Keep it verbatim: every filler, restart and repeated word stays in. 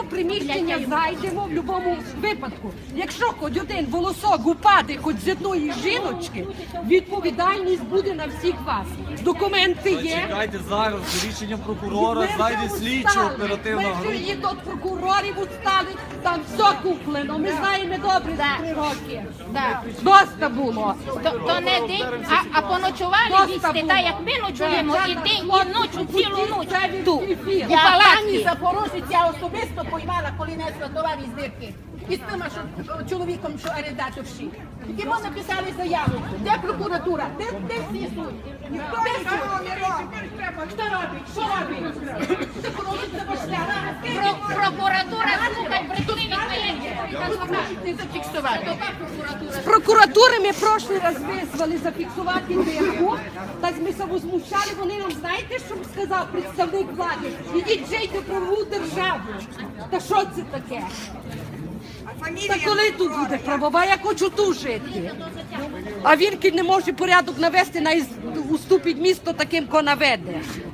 приміщення зайдемо в будь-якому випадку. Якщо хоч один волосок упаде хоч з одної жіночки, відповідальність буде на всіх вас. Документи є. Чекайте зараз, за рішенням прокурора, Ми вже зайде слідчо устали. оперативна Ми вже група. і до прокурорів устали, там все куплено. Ми знаємо добре за три роки. Да. Доста було. То, то не день, а, а поночували Доста вісти, було. так як ми ночуємо, і день, і ночу, цілу ніч Це тут. від ефіру. У Я пані палаці. Запорожець, я особисто поймала, коли несла товар із дирки. І з тим що, чоловіком, що орендаторші. І ми написали заяву. Де прокуратура? Де, де всі суд? Ніхто не Хто робить? Що робить? Запорожець забашляла. Про, прокуратура слухай брехливі клієнтів. Не зафіксувати. З прокуратури ми прошлий раз визвали зафіксувати дирку. Так ми се возмущали, вони нам, знаєте, що сказав представник влади? Ідіть жийте правову державу. Та що це таке? Та коли тут буде правова? Я хочу тут жити. А він не може порядок навести, на уступить місто таким, ко наведе.